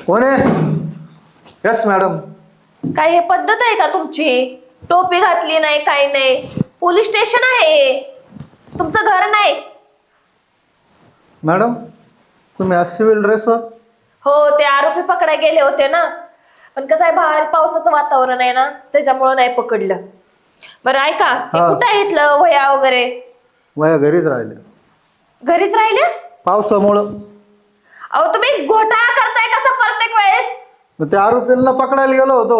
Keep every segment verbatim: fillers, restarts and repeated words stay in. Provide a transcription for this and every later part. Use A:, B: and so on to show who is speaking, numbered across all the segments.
A: कोण आहे? Yes madam.
B: काय हे पद्धत आहे का तुमची? टोपी घातली नाही, काही नाही. पोलीस स्टेशन आहे, तुमचं घर नाही.
A: मॅडम तुम्ही आज सिव्हिल ड्रेसवर?
B: हो, ते आरोपी पकडायला गेले होते ना, पण कसं आहे बाहेर पावसाचं वातावरण आहे ना, त्याच्यामुळं नाही पकडलं. बरं ऐका, हे
A: हा.
B: कुठं आहे इथलं वह्या वगैरे?
A: वया घरीच राहिले
B: घरीच राहिले?
A: पावसामुळं.
B: अहो तुम्ही घोटाळा करताय कसं प्रत्येक वेळेस?
A: मग त्या आरोपींना पकडायला गेलो होतो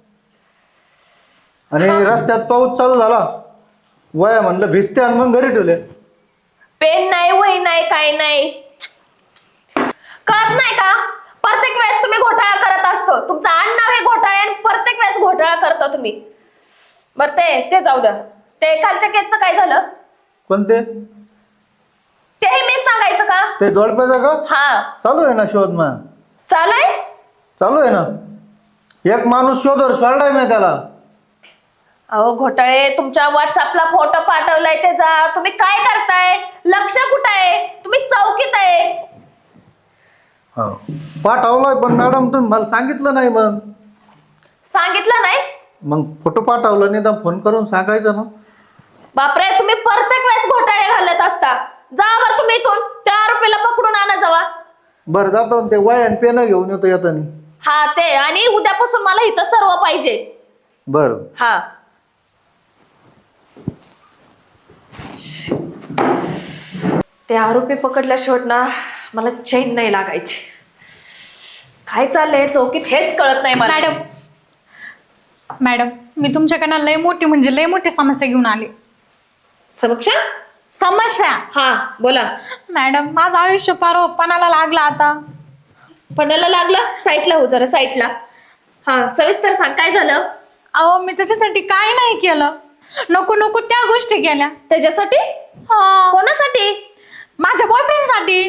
A: आणि रस्त्यात पाऊस चालू झाला. वया म्हणलं भिजते आणि मग घरी ठेवले.
B: पेन नाही, वही नाही, काही नाही. कळत नाही का? प्रत्येक वेळेस तुम्ही घोटाळा करत असतो. तुमचं आडनाव हे घोटाळे आणि प्रत्येक वेळेस घोटाळा करता तुम्ही. बरं ते ते जाऊ द्या. ते कालच्या केसचं काय झालं?
A: कोणते?
B: तेही मीच सांगायचं का?
A: ते जोडप्याचं का?
B: हा.
A: चालू आहे ना शोध. मग
B: चालू आहे?
A: चालू आहे ना. एक माणूस शोधर सोडलाय मी त्याला.
B: अहो घोटाळे, तुमच्या व्हॉट्सअपला फोटो पाठवलाय त्याचा. तुम्ही काय करताय? लक्ष कुठं आहे? तुम्ही चौकीत आहे.
A: हो पाठवलाय, पण मॅडम तुम्ही मला सांगितलं नाही. मग
B: सांगितलं नाही?
A: मग फोटो पाठवला नाही तर फोन करून सांगायचं ना.
B: बापरे, तुम्ही प्रत्येक वेळेस घोटाळे घालत असता. जा बरं तुम्ही इथून, त्या आरोपीला पकडून आणा जावा.
A: बरं जातो ते वय आणि पेन घेऊन येतो येतानी.
B: हा ते, आणि उद्यापासून मला इथं सर्व पाहिजे.
A: बरं.
B: हा. ते आरोपी पकडल्या शेवट ना मला चैन नाही लागायची. काय चाललंय चौकीत हेच कळत नाही मला.
C: मॅडम मॅडम मी तुमच्याकडनं लय मोठी म्हणजे लय मोठी समस्या घेऊन आले.
B: समक्षा?
C: समस्या?
B: हा बोला.
C: मॅडम माझं आयुष्य पार पणाला लागला आता.
B: पणाला लागलं? साईटला हो जरा, साईटला. हा सविस्तर सांग, काय झालं?
C: अहो मी त्याच्यासाठी काय नाही केलं. नको नको त्या गोष्टी केल्या.
B: त्याच्यासाठी?
C: हा.
B: कोणासाठी?
C: माझ्या बॉयफ्रेंड साठी.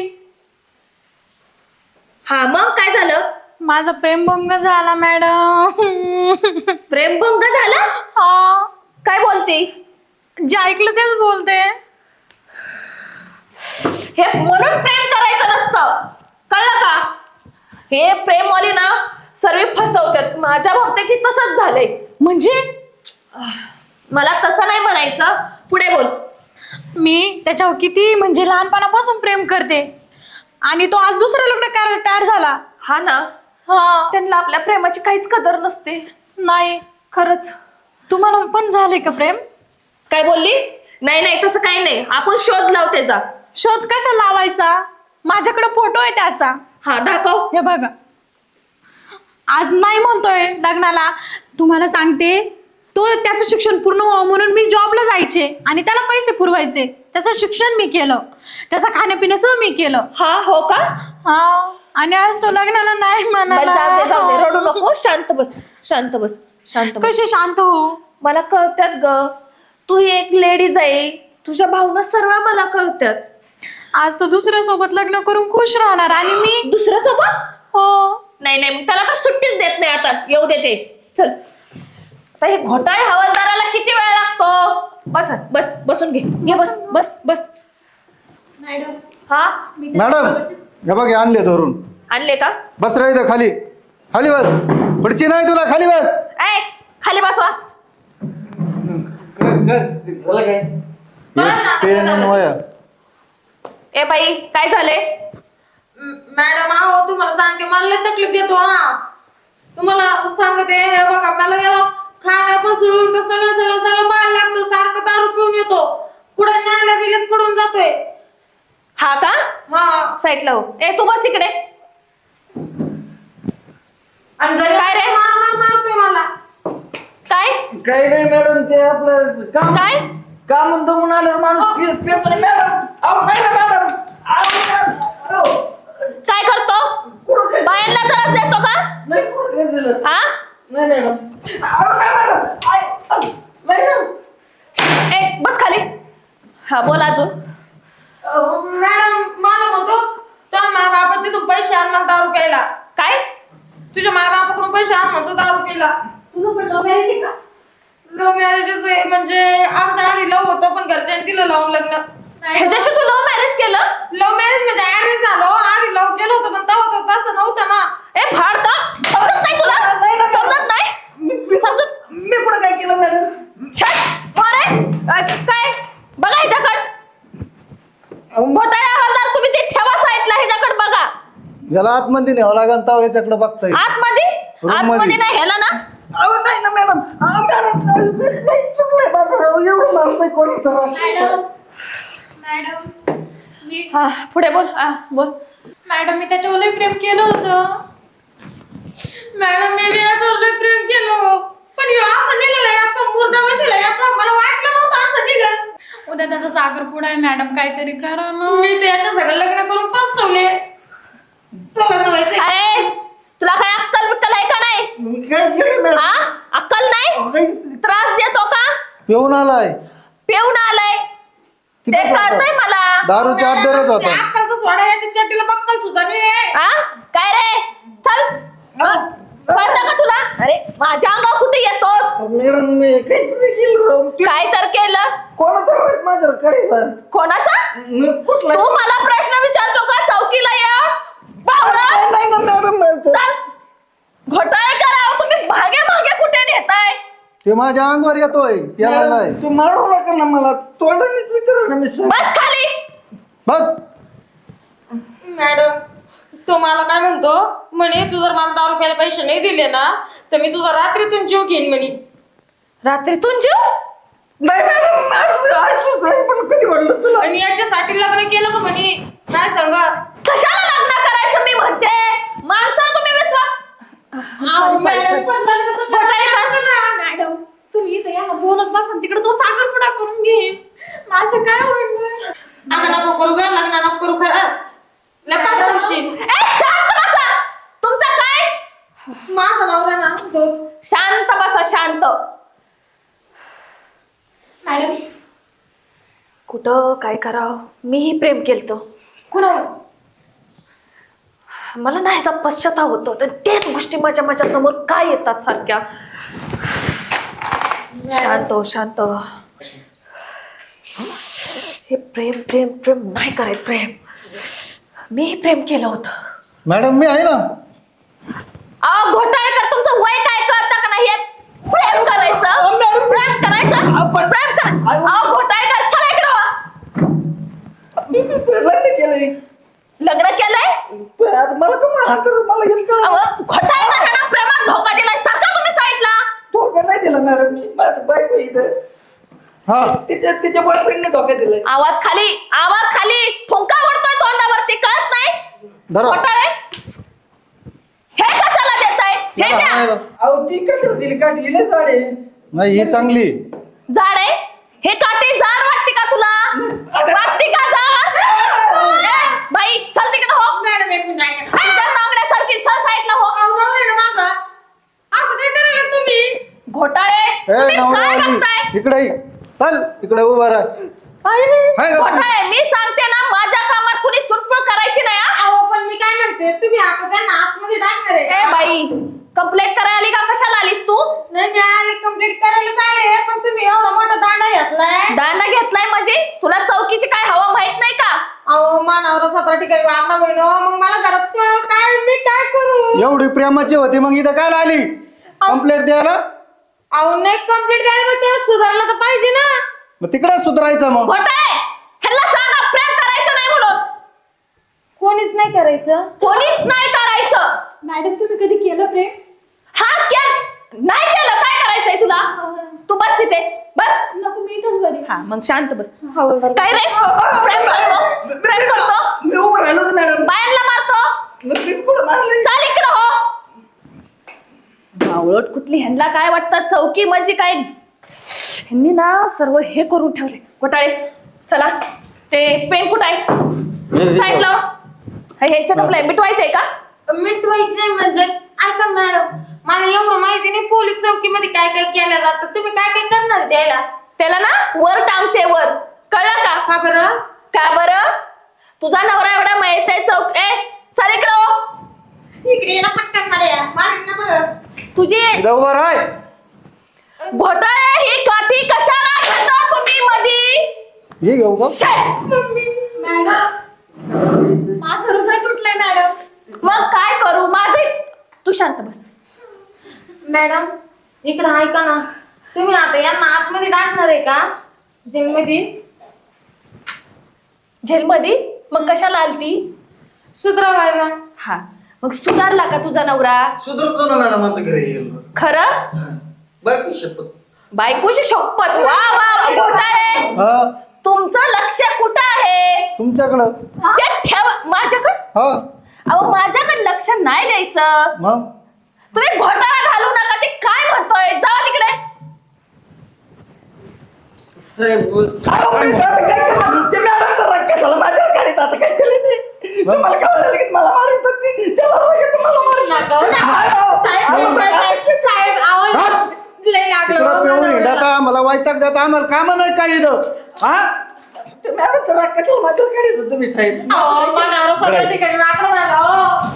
B: हा मग काय झालं?
C: माझा प्रेमभंग झाला मॅडम.
B: प्रेमभंग झाला?
C: हा.
B: काय बोलते?
C: जे ऐकलं तेच बोलते.
B: हे म्हणून प्रेम करायचं नसतं, कळलं का? हे प्रेमवाली ना सर्व फसवतात. माझ्या बाबतीत तसंच झालंय.
C: म्हणजे
B: मला तसं नाही म्हणायचं, पुढे बोल.
C: मी त्याच्यावर किती म्हणजे लहानपणापासून प्रेम करते आणि तो आज दुसरं लग्न करायला तयार झाला.
B: हा ना.
C: हा.
B: त्यांना आपल्या प्रेमाची काहीच कदर नसते.
C: नाही.
B: खरंच.
C: तुम्हाला पण झालंय का प्रेम?
B: काय बोलली? नाही नाही तसं काही नाही. आपण शोध लाव त्याचा.
C: शोध कशा लावायचा? माझ्याकडे फोटो आहे त्याचा.
B: हा दाखव.
C: हे बघा. आज नाही म्हणतोय लग्नाला. तुम्हाला सांगते, तो त्याचं शिक्षण पूर्ण व्हावं म्हणून मी जॉबला जायचे आणि त्याला पैसे पुरवायचे. त्याचं शिक्षण मी केलं, त्याचं खाण्यापिण्याचं मी केलं.
B: हा हो का?
C: हा. आणि आज तो लग्नाला नाही म्हणाला.
B: जाऊ दे जाऊ दे, रडू नको. शांत बस, शांत बस, शांत बस.
C: कशी शांत हो?
B: मला कळत्यात ग, तू ही एक लेडीज आहे. तुझ्या भावना सर्व मला कळत्यात.
C: आज तो दुसऱ्या सोबत लग्न करून खुश राहणार आणि मी
B: दुसऱ्या सोबत?
C: हो.
B: नाही नाही, मग त्याला तर सुट्टीच देत नाही आता. येऊ देते. चल आता हे घोटाळे हवालदाराला किती वेळ लागतो? बस बस बसून घे. घे बस बस बस.
C: मॅडम.
B: हा
A: मॅडम हे बघ हे आणले धरून.
B: आणले का?
A: बस रे इथं खाली. खाली बस. पुढची नाही तुला, खाली बस.
B: ऐ खाली बसवा.
A: पेन आणि वया.
B: ए बाई काय झाले?
D: मॅडम आहो तुम्हाला सांगते, मला लय तकलीफ देतो. हा तुम्हाला सांगते, हे बघा मला याला खाण्यापासून तर सगळं सगळं सगळं माल लागतो. सारखं दारू पिऊन येतो, कुठे नाल्या गेल्यात पडून जातोय.
B: हा का?
D: हा.
B: साईडला हो. ए तू बस इकडे.
D: आणि घरी
B: काय रे?
D: मार मार मारतोय मला.
B: काय
E: काही नाही मॅडम, ते आपलं काम
B: काय
E: काम म्हणतो म्हणून आल्यावर माणूस पे- पेतो रे मॅडम. अहो नाही ना मॅडम. अहो, मॅडम. अहो.
B: काय करतो?
E: कुठं काय-
B: बायांना त्रास देतो का?
E: नाही, कुठं काय दिलं?
B: हा
E: नाही मॅडम. अहो, नाही मॅडम. आय, अहो, नाही मॅडम.
B: ए बस खाली. हा बोल अजून.
D: अहो, मॅडम मला म्हणतो त्या माय बापाचे तू पैसे आण मला दारू प्यायला.
B: काय?
D: तुझ्या माय बापाकडून पैसे आण म्हणतो दारू प्यायला. तुझं पण लव्ह मॅरेज आहे का? लव्ह मॅरेजच आहे. म्हणजे आमचं आधी लव्ह होतं, पण घरच्यांनी दिलं लावून लग्न.
B: ह्याच्याशी तू लव्ह मॅरेज केलं?
D: लव्ह मॅरेज म्हणजे अरेंज झालो. आधी लव्ह केलं होतं, पण तेव्हा तर तसं नव्हतं ना.
B: ए फाड का समजत नाही तुला समजत नाही समजत
E: मी कुठं काय केलं मॅडम?
B: छट मारे अ, काय बघा ह्याच्याकडं घोटाळे हवालदार तुम्ही ते ठेवा साईडला ह्याच्याकडे बघा
A: याला आतमध्ये न्यावं लागेल तर याच्याकडे बघताय
B: आतमध्ये
A: Room
B: आतमध्ये
A: मध्ये.
B: नाही ह्याला ना
E: अहो नाही ना मॅडम. अहो, मॅडम नाही चुकलंय माझं राव. एवढं मला नाही कोण
C: मॅडम मॅडम मी
B: हा पुढे बोल
C: आ, बोल मॅडम मी त्याच्यावर लय प्रेम केलं होतं.
D: मॅडम मी याच्यावर लय प्रेम केलं पण ह्यो असं निघालं याचा मुर्दा बसला याचा मला वाटलं नव्हतं असं निघल.
C: उद्या त्याचा साखरपुडा आहे मॅडम काहीतरी करा ना.
D: मी तर याच्या सगळं लग्न करून पसतवले. तुला लग्न व्हायचंय का?
B: अरे तुला काय अक्कल बिक्कल आहे का नाही
E: मी काय केलं मॅडम?
B: हा अक्कल नाही
E: अहो, काही-
B: त्रास देतो का
A: पिऊन आलाय
B: पिऊन आलाय ते
A: तिथंच होता.
B: कळतंय मला
A: दारूच्या अड्डेवरच
D: ते
A: होता
D: अक्कलचं सोडा याच्या चड्डीला बक्कल सुद्धा नाही आहे.
B: हा काय रे चल कळतं का तुला अरे माझ्या अंगावर कुठे येतोच
E: मॅडम मी काहीच नाही केलं राव. ते
B: काय तर केलं
E: कोणाचं आवाज माझ्यावर काय झालं?
B: कोणाचा
E: न- कुठला
B: तू मला प्रश्न विचारतो का चौकीला या बावळा
E: नाही ना मॅडम मला ते-
B: चल घोटाळे करावं तुम्ही मागे मागे कुठे नेताय
A: ते माझ्या अंगावर येतोय यायला
E: तू मारू नका ना मला तोंडानेच विचारा ना मी सांग-
B: बस खाली
A: बस
D: मॅडम तो मला काय म्हणतो म्हणे तू जर मला दारू प्यायला पैसे नाही दिले ना तर मी तुझा रात्रीतून जीव घेईन म्हणे.
B: रात्रीतून जीव
E: नाही मॅडम असं- असं नाही. पण कधी वाटलं तुला?
D: आणि याच्यासाठी लग्न केलं का म्हणे काय सांगा.
B: कशाला लग्न करायचं मी म्हणते माणसा तुम्ही विश्वास
D: अहो,
B: sorry, sorry,
D: मॅडम,
B: sorry.
D: पण लग्न तर
B: घोटाळे कर.
D: करायचं ना.
C: मॅडम तुम्ही इथं या ना बोलत बसा तिकडे तो साखरपुडा करून घे माझं काय होईल.
D: अगं नको करू ग लग्न नको करू खरं लग्न होशील.
B: ए, शांत बसा तुमचा काय
D: माझा नवरा ना तोच.
B: शांत बसा शांत
C: मॅडम
B: कुठं काय करावं मीही प्रेम केलतं कुणावर मला नाही ह्याचा पश्चाताप होतो तर तेच गोष्टी माझ्या माझ्या समोर काय येतात सारख्या शांत हो शांत हो. हे प्रेम प्रेम प्रेम नाही करायचं प्रेम मीही प्रेम केलं होतं
A: मॅडम मी आहे ना
B: अहो घोटाळेकर तुमचं वय काय कळतं का नाही हे प्रेम करायचं प्रेम करायचं प्रेम करायचं अहो घोटाळेकर चला इकडं वा.
E: मी लग्न केलंय.
B: लग्न केलंय
E: पण आता मला का म्हणा तर मला हेच कळलं.
B: अहो घोटाळेकर ह्यांना प्रेमात धोका दिलाय सारखा तुम्ही साईडला
E: धोका नाही दिला मॅडम मी माझं बायको इथं
A: हा
E: तिच्या तिच्या बॉयफ्रेंडने धोका दिलाय.
B: आवाज खाली आवाज खाली थुंका ओढतोय तोंडावरती कळत नाही
A: धरा.
B: घोटाळे हे कशाला देताय हे
A: याला
B: द्या
A: हाणायला.
E: अहो ती कसं दिली काठी हिला साडे
A: नाही ही चांगली
B: जाड आहे हे काठी जाड वाटते का तुला वाटते का जाड ए, बाई चल तिकडे हो
D: मॅडम एक मिनिट ऐका.
B: तुझ्या नांगड्यासारखी चल साईडला हो
D: अहो, नवरा आहे ना माझा. असं काय करायला तुम्ही
B: घोटाळे
A: ए
B: तुम्ही काय
A: नवरावाली
B: बघताय
A: इकडे ये. चल इकडे उभा राह हाय का?
B: घोटाळे मी सांगते ना माझ्या कामात कुणी चुटपुट करायची नाही हा?
D: अहो पण मी काय म्हणते तुम्ही आता त्यांना आतमध्ये टाकणार आहे
B: ए
D: का?
B: बाई कंप्लेंट करायला आली का कशाला आलीस तू
D: नाही मी आले कंप्लीट करायला चालेल पण तुम्ही एवढा मोठा दांडा घेतलाय.
B: दांडा घेतलाय म्हणजे तुला चौकीची काय हवा माहित नाही का
D: अहो मानावर सतरा ठिकाणी वागला बहिणो मग मला घरात क- काय मी काय करू.
A: एवढी प्रेमाची होती मग इथं काय आली कंप्लेंट द्यायला
D: अहो नाही कंप्लीट करायला पण तेव्हा सुधारलं तर पाहिजे ना.
A: मग तिकडेच सुधारायचं मग
B: घोटाळे ह्याला सांगा प्रेम करायचं नाही म्हणून
D: कोणीच नाही करायचं.
B: कोणीच नाही करायचं
C: मॅडम तुम्ही कधी केलं प्रेम.
B: हा केल नाही केलं काय करायचंय तुला तू बस तिथे बस
C: नको मी इथंच बरी.
B: हा मग शांत बस काय रे प्रेम करतो प्रेम करतो
E: मी उभं राहिलो होतो मॅडम.
B: बायांना मारतो
E: मग मी कुठं मारलंय?
B: चाल इकडं हो बावळट कुठली ह्यांना काय वाटतं चौकी म्हणजे काय ह्यांनी ना सर्व हे करून ठेवले घोटाळे चला ते पेन कुठं आहे
A: हे-
B: साईड लाव ह्यांच्या आपलं मिटवायचंय का
D: मिटवायचे म्हणजे ऐका मॅडम मला एवढं माहिती नाही पोलीस चौकीमध्ये काय काय केलं जातं तुम्ही काय काय करणार द्यायला.
B: त्याला ना वर टांगते वर कळलं का
D: का बरं.
B: का बरं तुझा नवरा एवढा मयचा आहे चौक ए चल इकडं हो.
D: इकडे ये ना पटकन मार्या मारीन ना बरं.
B: तुझी
A: इथं उभा राह
B: घोटाळे ही काठी कशाला घेता तुम्ही मधी
A: हे घेऊ का
B: शेट!
C: मॅडम माझं रुपये तुटलंय मॅडम.
B: मग काय करू माझे तू शांत बस.
D: मॅडम इकडं ऐका ना, तुम्ही आता यांना आतमध्ये टाकणार आहे का जेलमध्ये?
B: जेलमध्ये? मग कशाला आलती?
D: सुधरावायला.
B: हा, मग सुधारला का तुझा नवरा?
E: सुधरतो ना मॅडम आता घरी येईल.
B: खरं?
E: बायको शपथ.
B: बायकोची शपथ. वा वा वा, घोटाळे.
A: हा
B: तुमचं लक्ष कुठं आहे?
A: तुमच्याकडं.
B: ते ठेव माझ्याकडं.
A: हा
B: अहो माझ्याकडे लक्ष नाही द्यायचं.
A: मग
B: तुम्ही घोटाळा घालू नका. ते काय म्हणतोय? जावा तिकडे.
E: साहेब अहो, मी आता काय करणार? ते मॅडमचा राग कशाला माझ्यावर काढीत? आता काय केलं मी? तुम्हाला कळलं की मला मारित होती. त्याला राग येतो, मला मारित
D: नका हो ना.
E: अहो,
D: साहेब,
E: अहो,
D: साहेब, साहेब, आवाज लय लागलं
A: तिकडं
D: हो
A: पिऊन
D: मला.
A: हिंडता आम्हाला वैताग देता. आम्हाला काम नाही काय इथं. हा
E: ते मॅडमचा राग कशाला माझ्यावर काढीत होता तुम्ही साहेब?
D: अहो, मनावर सगळ्या ठिकाणी वाकडं झालं हो.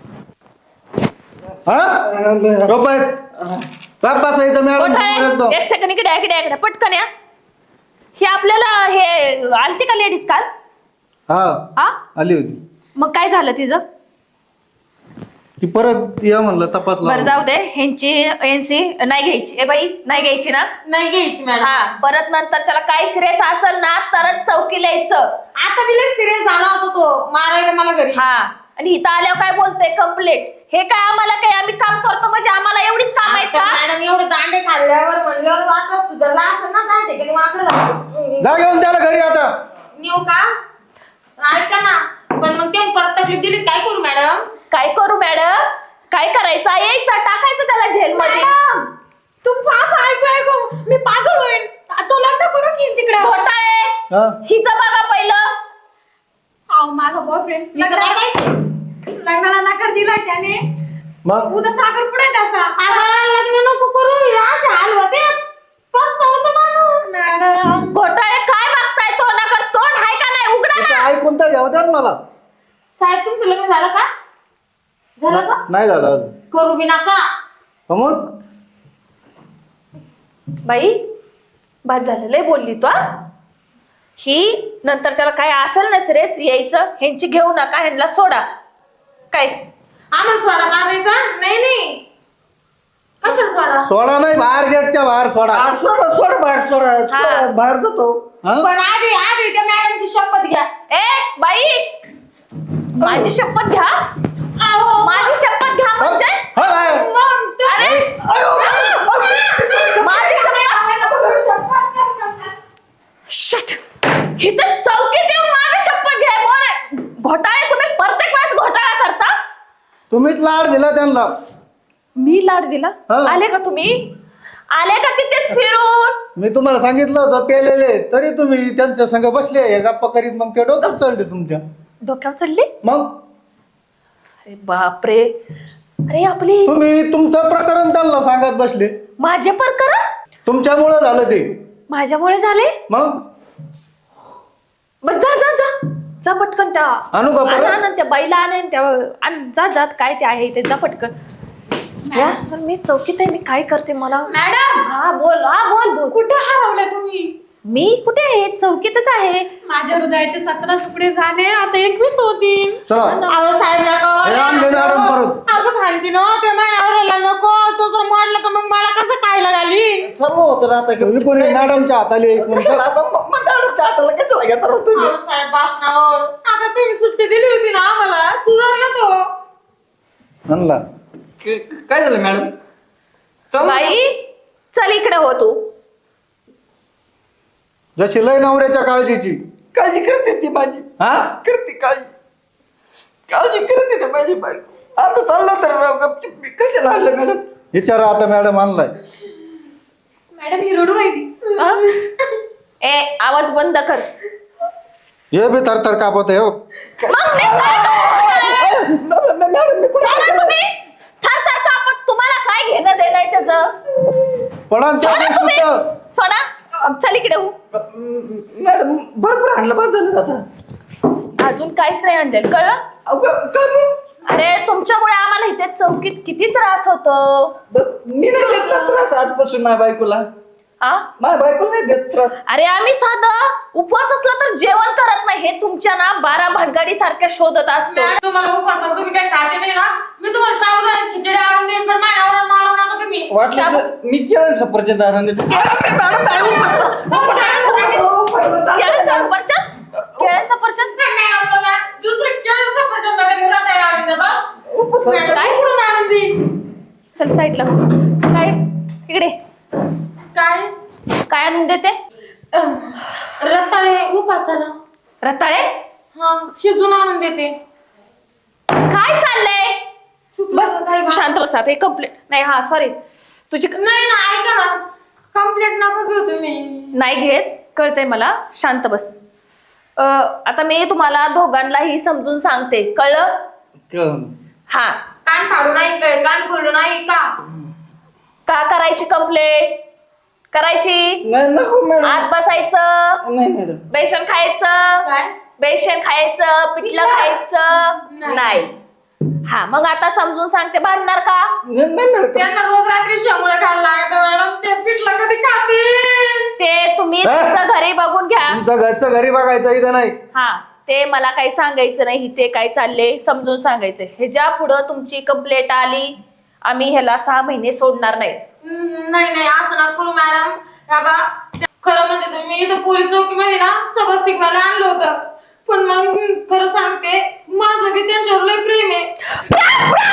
A: हा गप्पाच. गप्प बसायचं मॅडम एकदम.
B: घोटाळे, एक सेकंड इकडे इकडे इकडे पटकन या. हे आपल्याला हे आलती का लेडीज काल?
A: हा
B: हा,
A: आली होती
B: मग काय झालं तिचं?
A: ती परत या म्हणलं तपासला.
B: बरं जाऊ दे. ह्यांची एनसी नाही घ्यायची. ए बाई नाही घ्यायची ना?
D: नाही घ्यायची मॅडम.
B: हा, परत नंतर त्याला काय सिरियस असेल ना तरच चौकीला यायचं.
D: आता मी लय सिरियस झाला होता तो, मारायला मला घरी.
B: हा, आणि इथं आल्यावर काय बोलते? कंप्लेंट. हे काय आम्हाला काय, आम्ही काम करतो म्हणजे आम्हाला एवढीच काम आहेत
D: आता
B: का?
D: मॅडम एवढे दांडे खाल्ल्यावर म्हणल्यावर वाकडं सुधारला असं ना, त्या ठिकाणी वाकडं झालं.
A: जा घेऊन त्याला घरी आता.
D: नेऊ का? ऐका ना, पण मग ते परत तकलीफ दिली काय करू मॅडम?
B: काय करू मॅडम? काय करायचं? यायचं, टाकायचं त्याला जेलमध्ये.
C: तुमचं असं ऐकू ऐकू मी पागल होईन. तो लग्न करून घेईन तिकडे.
B: घोटाळे,
A: हा
B: हिचं बघा पहिलं.
C: अहो माझा बॉयफ्रेंड
D: हिचं काय माहिती?
C: लग्नाला नकार दिला त्याने.
A: मग
C: उद्या साखरपुडा आहे त्याचा.
D: अगं, लग्न नको करू, हे असे हाल होते. पस्तावतं माणूस.
C: मॅडम
B: घोटाळे काय बघताय? तोंडाकडे तोंड आहे का नाही? उघडा
A: तिचं
B: ना.
A: ऐकून तर घ्यावं द्या ना मला.
D: साहेब तुमचं लग्न झालं का? झालं का?
A: नाही झालं अजून.
D: करू बी नका.
A: हो मग
B: बाई बाद झालं, लय बोलली तू. हा? ही नंतर त्याला काय असेल ना सिरियस यायचं. ह्यांची घेऊ नका, ह्यांना सोडा. काय
D: आम्हाला सोडा मारायचा? नाही नाही, कशाला सोडा?
A: सोडा नाही, बाहेर गेटच्या बाहेर सोडा.
E: हा, सोडा सोडा बाहेर सोडा
B: हा.
E: सोडा, बाहेर जातो.
A: हा
D: पण आधी आधी त्या मॅडमची शपथ घ्या.
B: ए बाई, माझी शपथ घ्या.
D: अहो,
B: माझी शपथ घ्या
A: चल.
B: म्हणजे?
A: हो बाहेर.
D: मग ते-
B: अरे माझी शपथ. शट. इथं चौकीत येऊन माझी शपथ घ्या. बोल. घोटाळे तुम्ही प्रत्येक वेळेस घोटाळा करता.
A: तुम्हीच लाड दिला त्यांना.
B: मी लाड दिला?
A: हा.
B: आले का तुम्ही? आले का तिथेच फिरून?
A: मी तुम्हाला सांगितलं होतं पेलेले, तरी तुम्ही त्यांच्या संग बसले हे गप्पा करीत. मग ते डोक्यात चढले तुमच्या.
B: डोक्यावर चढली?
A: मग
B: अरे बापरे. अरे आपली
A: तुम्ही तुमचं प्रकरण त्यांना सांगत बसले.
B: माझे प्रकरण
A: तुमच्यामुळे झालं ते.
B: माझ्यामुळे झाले?
A: मग
B: बर जा जा जा जा पटकन. त्या
A: आणू का परत?
B: आण, आण, त्या बाईला आण, त्या आण, जा जात काय ते आहे ते जा पटकन. या, पण मी चौकीत आहे. मी काय करते मला?
C: मॅडम
B: हा बोल. हा बोल बोल.
C: कुठे हरवल्या तुम्ही?
B: मी कुठे आहे? चौकीतच आहे.
C: माझ्या हृदयाचे सतरा तुकडे झाले, आता एकवीस होतील.
A: चला
D: अहो साहेब नका.
A: हे आणले मॅडम परत.
D: असं खालती ना ते माझ्यावर नको. तो जर मोडलं तर मग मला कसं खायला घाली?
E: चालू होतं ना आता.
A: तुम्ही कोणी मॅडमच्या हाताले ऐकून.
E: कशाला आता म- म- मॅडमच्या हाताला कशाला घेता राव तुम्ही?
D: अहो साहेब बस ना हो. आता तुम्ही सुट्टी दिली होती ना आम्हाला, सुधारला तो.
A: आणला.
E: क- काय झालं मॅडम? चालू-
B: बाई चल इकडे हो तू.
A: जशी लय नवऱ्याच्या काळजीची.
E: काळजी करते ती माझी.
A: हा
E: करते काळजी. काळजी करते ते माझी बायको. आता चाललं तर राव गपचूप. मी कशाला आणलं मॅडम?
A: विचारा आता मॅडम आणलाय.
C: मॅडम ही रडू राहिली.
B: हा? ए आवाज बंद कर.
A: हे बी थरथर कापत आहे हो.
B: मग मी काय करू?
E: मॅडम मॅडम मी कुठे
B: सोडा तुम्ही. थर थर कापत. तुम्हाला काय घेणं देणं आहे त्याचं?
A: पडा
B: सोडा तुम्ही. सोडा. चल इकडे हो.
E: मॅडम बरोबर आणलं बस झालं आता.
B: अजून काहीच नाही आणलं, कळलं?
E: अहो, क- काय मग?
B: अरे तुमच्यामुळे आम्हाला इथे चौकीत किती त्रास होतो.
E: बस मी नाही घेतला त्रास आजपासून माझ्या बायकोला.
B: आ
E: माझ्या बायको नाही देत त्रास.
B: अरे आम्ही साधं उपवास असला तर जेवण करत नाही, हे तुमच्या ना बारा भानगडी सारख्या शोधत असतो.
D: मॅडम तुम्हाला उपासाला तुम्ही काही खाते नाही ना, मी तुम्हाला साबुदाण्याची खिचडी आणून देईन, पण माझ्या नवऱ्याला मारू नका तुम्ही.
E: वाटलं तर मी केळं सफरचंद आणून देतो.
B: मॅडम मॅडम केळं सफरचंद केळं सफरचंद
D: मॅडम मला दुसरं केळं सफरचंद नका देऊ, रताळे आणून द्या बस. मॅडम
B: काय?
D: कुठून आणून देईन?
B: चल साईडला. काय इकडे
D: काय
B: काय आणून देते?
D: अं, रताळे उपासाला.
B: रताळे?
D: हा शिजून आणून देते.
B: काय चाललंय?
D: चुकलं
B: बस
D: तर काय बा-
B: शांत बस आता. हे कंप्लेंट नाही. हा सॉरी तुझी
D: नाही ना, ऐका ना, कंप्लेंट नका घेऊ तुम्ही.
B: नाही घेत, कळतंय मला. शांत बस. अं, आता मी तुम्हाला दोघांनाही समजून सांगते, कळलं?
E: कळलं.
B: हा.
D: कान फाडून ऐक, कान फोडून ऐक का?
B: का करायची कंप्लेंट? करायची.
E: नाही नको मॅडम.
B: आत बसायचं,
E: नाही मॅडम.
B: बेसन खायचं,
D: काय?
B: बेसन खायचं, पिठलं
D: पिठलं?
B: खायचं
D: नाही.
B: नाही. हा मग आता समजून सांगते, भांडणार का?
E: नाही नाही मॅडम.
D: त्यांना रोज रात्री शेंगुळ्या खायला लागत मॅडम, ते पिठलं कधी खातील?
B: ते तुम्ही
A: हा?
B: तुमचं घरी बघून घ्या.
A: तुमचं घरचं घरी बघायचं इथं नाही.
B: हा ते मला काही सांगायचं नाही, ते काय चालले समजून सांगायचं. ह्याच्या पुढं तुमची कंप्लेंट आली, आम्ही ह्याला सहा महिने सोडणार नाही.
D: हम्म, नाही नाही असं ना करू मॅडम. बाबा खरं म्हणजे तर मी इथं पोलीस चौकीमध्ये ना सबक शिकवायला आणलं होतं, पण मग खरं सांगते माझं बी त्यांच्यावर लय प्रेम आहे.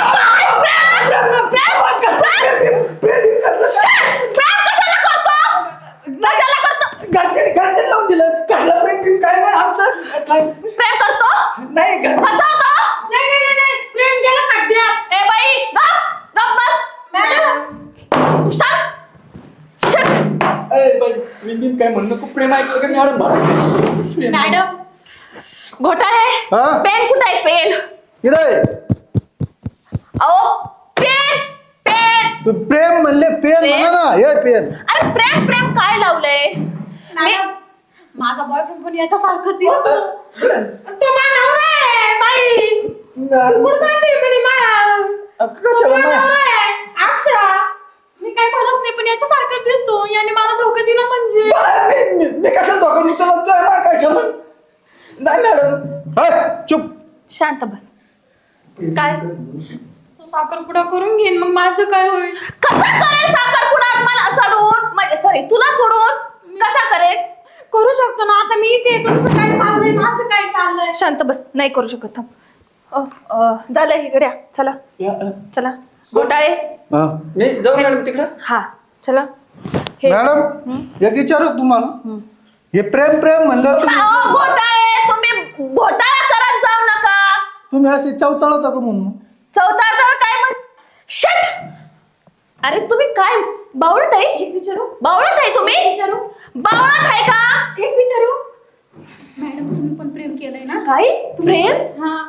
B: कशाला करतो? कशाला करतो?
E: घरचे घरचे लावून दिलं. कसलं प्रेम बिम काय नाही आमचं. काय
B: प्रेम करतो?
E: नाही घर
B: कसा होतो?
D: नाही नाही नाही, नाही प्रेम केलं खड्ड्यात.
B: ए बाई गप गप बस.
D: मॅडम
B: शांत. शांत.
E: ए, बाई, मी बिन काय म्हणणं खूप प्रेम ऐकलं का मॅडम?
D: मॅडम
B: घोटाळे
A: हा?
B: पेन कुठे आहे? पेन.
A: इथं आहे.
B: अहो पेन पेन.
A: तू प्रेम म्हणले पेन
B: प्रेम?
A: म्हणा ना, हे पेन.
B: अरे प्रेम प्रेम काय लावलंय? मी
C: मॅडम, माझा बॉयफ्रेंड पण याच्यासारखं दिसतो.
D: तो माझा नवरा आहे बाई. कुठं जाते म्हणे मा-
E: कशाला
D: तो माझा
E: मा-
D: नवरा आहे. अक्षा
C: मी काय म्हणत नाही, पण याच्यासारखं दिसतो. याने मला धोका दिला म्हणजे.
E: मी- मी- मी कशाला धोका देतो? तुला तुला मला काय समज नाही मॅडम.
A: हाय, चुप.
B: शांत बस. काय
C: तो साखरपुडा करून घेईन, मग माझं काय होईल?
B: कसा करेल साखरपुडा मला सोडून? सॉरी तुला सोडून कसा करेल?
C: करू शकतो ना. आता मी इथे, तुमचं काय चाललंय, माझं काय चाललंय?
B: शांत बस. नाही करू शकत. थांब. अ, अ, झालं इकडे या. चला चला घोटाळे.
A: हा.
E: मी जाऊ मॅडम तिकडं.
B: हा चला. हे
A: मॅडम एक विचारू तुम्हाला, हे प्रेम प्रेम म्हणल्यावर तुम्ही
B: अहो, घोटाळे तुम्ही घोटाळा करत जाऊ नका.
A: तुम्ही अशी चवचाळता का म्हणून?
B: चौथा काय म्हण शट. अरे तुम्ही काय बावळट आहे?
C: एक विचारू
B: बावळट आहे तुम्ही?
C: विचारू
B: बावळट आहे का?
C: एक विचारू मॅडम, तुम्ही पण प्रेम केलंय ना?
B: काय प्रेम?
C: हा,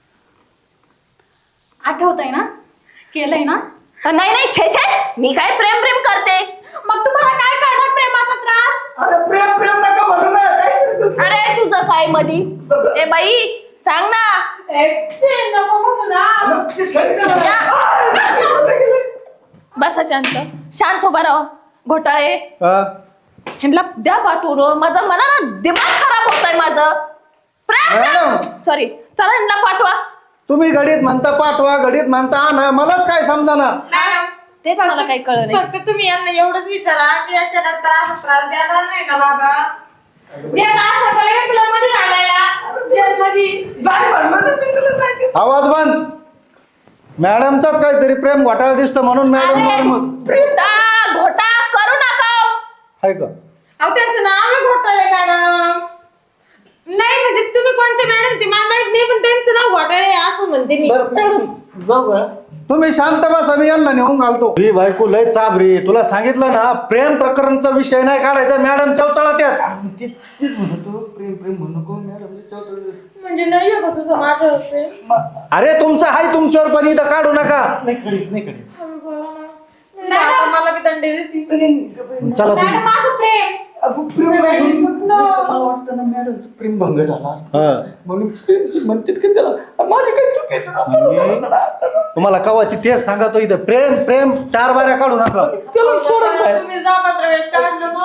C: आठवतंय ना? केलंय ना?
B: नाही नाही छे छे, मी काय प्रेम प्रेम करते?
C: मग तुम्हाला काय करणार प्रेमाचा त्रास?
E: अरे प्रेम प्रेम नका म्हणू ना. काहीतरी दुसरं.
B: अरे तुझं काय मधी? ए बाई सांग ना.
D: एक ते नको म्हणू ना.
E: मग ते सांगितलं ना. आ, नाही, मी कुठं गेले?
B: बसा शांत. शांत उभा राहा. घोटाळे
A: हा?
B: ह्यांना द्या पाठवून. माझं मला ना दिमाग खराब होत आहे माझं. प्रेम
A: मॅडम.
B: सॉरी. चला ह्यांना पाठवा.
A: तुम्ही घडीत म्हणता पाठवा, घडीत म्हणता आणा, मलाच काय समजाना.
D: मॅडम
B: तेच मला काही कळलं नाही.
D: फक्त तुम्ही यांना एवढंच विचारा की याच्या त्रास त्रास देणार नाही ना बाबा. देत असं तर तुला मध्ये घालायला जेलमध्ये.
E: जाय म्हणलं ना मी तुला जायचं.
A: आवाज बंद. मॅडमचाच काहीतरी प्रेम घोटाळा दिसतो म्हणून मॅडम
B: अरे,
A: मग
B: घोटा घोटा करू नका.
A: आहे का?
D: अहो त्यांचं नाव आहे घोटाळे मॅडम. नाही म्हणजे तुम्ही कोणच्या मॅडम ते मला माहित नाही, पण त्यांचं नाव घोटाळे आहे असं म्हणते मी.
E: बरं मॅडम जाऊ का?
A: तुम्ही शांत बसा, मी यांना नेऊन घालतो. ही बायको लय चाबरी. तुला सांगितलं ना, प्रेम प्रकरणचा विषय नाही काढायचा. मॅडम चवचाळा त्यात.
E: ते- तेच म्हणतो प्रेम प्रेम म्हणू नको मॅडम.
D: म्हणजे नाही आहे का तुझं माझं प्रेम?
A: अरे तुमचं हाय तुमच्यावर, पण इथं काढू नका.
E: नाही करीत नाही करीत.
D: मॅडम मला बी दंडे देते.
A: चला तुम्ही.
C: मॅडम, माझं प्रेम.
E: अगं, प्रेम आहे. मला वाटतं ना मॅडमचं प्रेम भंग झाला असता.
A: हा.
E: म्हणून प्रेमची म्हणते की त्याला माझी काही चूक आहे तर
A: तुम्हाला कवाची तेच सांगतो, इथं प्रेम प्रेम चार बाऱ्या काढू नका.
E: चला सोडा काय.
D: तुम्ही जा पत्र वेळेस काढलं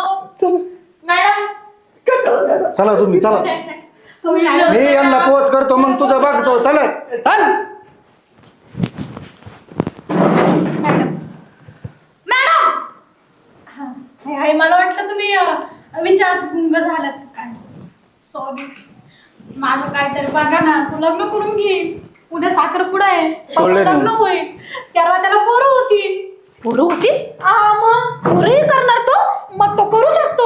A: चला तुम्ही चला मी यांना पोच करतो मग तुझं बघतो चला चल
C: मॅडम मॅडम हाय हाय मला वाटलं तुम्ही अं, विचार गुंग झालात काय सॉरी माझं काहीतरी बघा ना तू लग्न करून घे उद्या साखरपुडा आहे
A: सोडले
C: परवा लग्न
A: ना.
C: होईल तेव्हा त्याला पोरं होती
B: पोरं होती
C: हा मग
B: पोरंही करणार तो
C: मग तो करू शकतो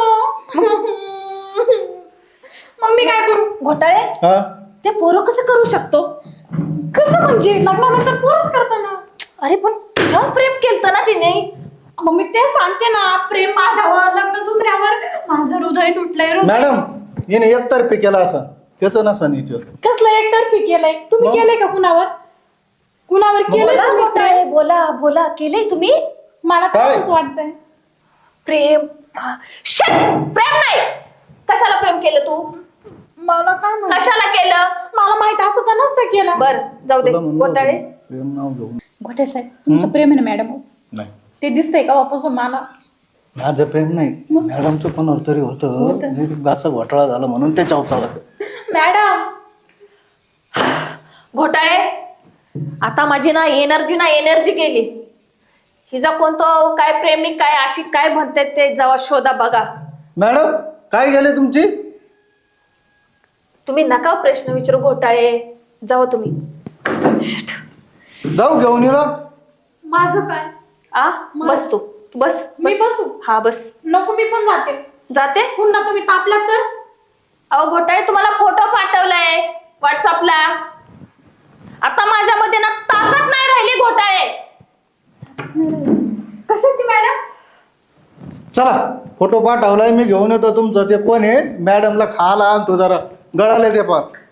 C: मग मी काय करू
B: घोटाळे
A: हा
B: ते पोरं कसं करू शकतो
C: कसं म्हणजे लग्नानंतर पोरच करताना
B: अरे पण तुझ्यावर प्रेम केलं ना तिने
C: मग मी ते सांगते ना प्रेम माझ्यावर लग्न दुसऱ्यावर माझं हृदय तुटलंय हृदय
A: मॅडम हिने एकतर्फी केला असं त्याचं नसा निच
C: कसलं एकतर्फी केलंय तुम्ही
A: मग?
C: केलंय का कुणावर कुणावर केलंय
B: बोला
C: तुम्ही
B: घोटाळे
C: प्रेम?
B: बोला बोला केलंय तुम्ही
C: मला
A: काय?
C: काय वाटतंय
B: प्रेम हा, shit! प्रेम नाही कशाला प्रेम केलं तू
C: मला काय माहित?
B: कशाला केलं
C: मला माहित असं तर नसतं केलं
B: बर जाऊ दे घोटाळे
A: प्रेम नाव घेऊन
C: घोटे साहेब तुमचं प्रेम आहे ना मॅडम
A: नाही
C: ते दिसतंय का वापसून मला
A: माझं प्रेम नाही मॅडमचं कोणावर तरी होतं गाचा घोटाळा झाला म्हणून त्याच्यावर चालत
C: मॅडम
B: घोटाळे आता माझी ना एनर्जी ना एनर्जी गेली हिचा कोणतं काय प्रेमिक काय आशिक काय म्हणतात ते जेव्हा शोधा बघा
A: मॅडम काय गेले तुमची
B: तुम्ही नका प्रश्न विचारू घोटाळे जावा तुम्ही Shit.
A: जाऊ घेऊन येला
C: माझं काय
B: आ बस तू तू बस
C: मी
B: बस.
C: बसू
B: हा बस
C: नको मी पण जाते
B: जाते
C: पुन्हा तुम्ही तापलात तर
B: अहो घोटाळे तुम्हाला फोटो पाठवलाय व्हॉट्सअपला आता माझ्यामध्ये ना ताकद नाही राहिली घोटाळे
C: कशाची मॅडम
A: चला फोटो पाठवलाय मी घेऊन येतो तुमचं ते कोण आहे मॅडमला खायला आणतो जरा गळाले ते पार